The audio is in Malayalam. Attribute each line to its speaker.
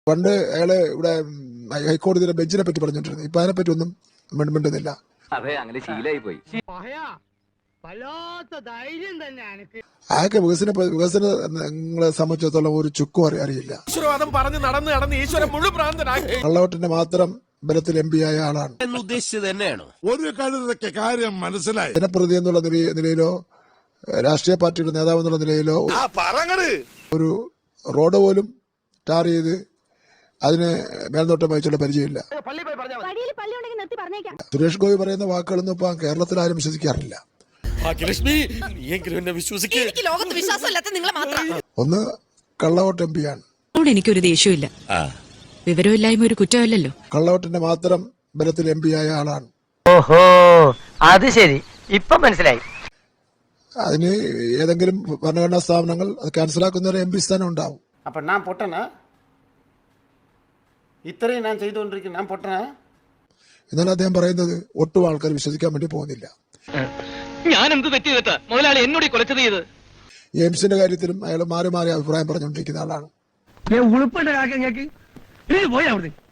Speaker 1: പണ്ട് അയാള് ഇവിടെ ഹൈക്കോടതിയുടെ ബെഞ്ചിനെ പറ്റി പറഞ്ഞോണ്ടിരുന്നു. ഇപ്പൊ അതിനെപ്പറ്റി ഒന്നും മിണ്ടുന്നില്ല.
Speaker 2: അതെ, അങ്ങനെ ശീലായി പോയി.
Speaker 1: അയാൾക്ക് വികസനങ്ങളെ സംബന്ധിച്ചിടത്തോളം ഒരു ചുക്കും അറിയില്ല. കള്ളവോട്ടിന്റെ മാത്രം ബലത്തിൽ MP ആയ ആളാണ്.
Speaker 3: ഒരു കാര്യം മനസ്സിലായി.
Speaker 1: ജനപ്രതി എന്നുള്ള നിലയിലോ രാഷ്ട്രീയ പാർട്ടിയുടെ നേതാവ് എന്നുള്ള നിലയിലോ ഒരു റോഡ് പോലും ടാർ ചെയ്ത് അതിന് മേൽനോട്ടം വഹിച്ചുള്ള പരിചയമില്ല. സുരേഷ് ഗോപി പറയുന്ന വാക്കുകളൊന്നും ഇപ്പൊ കേരളത്തിൽ ആരും വിശ്വസിക്കാറില്ല. ഒന്ന് കള്ളവോട്ട് MP ആണ്.
Speaker 4: എനിക്കൊരു ദേഷ്യമില്ല. വിവരമില്ലായ്മ ഒരു കുറ്റമല്ലല്ലോ.
Speaker 1: കള്ളവോട്ടിന്റെ മാത്രം ബലത്തിൽ MP ആയ ആളാണ്.
Speaker 5: ഓഹോ, അത് ശരി, ഇപ്പൊ മനസ്സിലായി.
Speaker 1: അതിന് ഏതെങ്കിലും ഭരണഘടനാ സ്ഥാപനങ്ങൾ അത് ക്യാൻസലാക്കുന്ന ഒരു MP സ്ഥാനം ഉണ്ടാവും.
Speaker 6: അപ്പൊ ഞാൻ പൊട്ടനാ? ഇത്രയും ഞാൻ ചെയ്തുകൊണ്ടിരിക്കുന്നു, ഞാൻ പൊട്ടനാ?
Speaker 1: എന്നാൽ അദ്ദേഹം പറയുന്നത് ഒട്ടും ആൾക്കാർ വിശ്വസിക്കാൻ വേണ്ടി പോകുന്നില്ല.
Speaker 5: ഞാൻ എന്ത് തെറ്റിയതാ മുതലാളി എന്നോട് കൊലച്ചത് ചെയ്ത്?
Speaker 1: എയിംസിന്റെ കാര്യത്തിലും അയാൾ മാറി മാറി അഭിപ്രായം പറഞ്ഞുകൊണ്ടിരിക്കുന്ന ആളാണ്.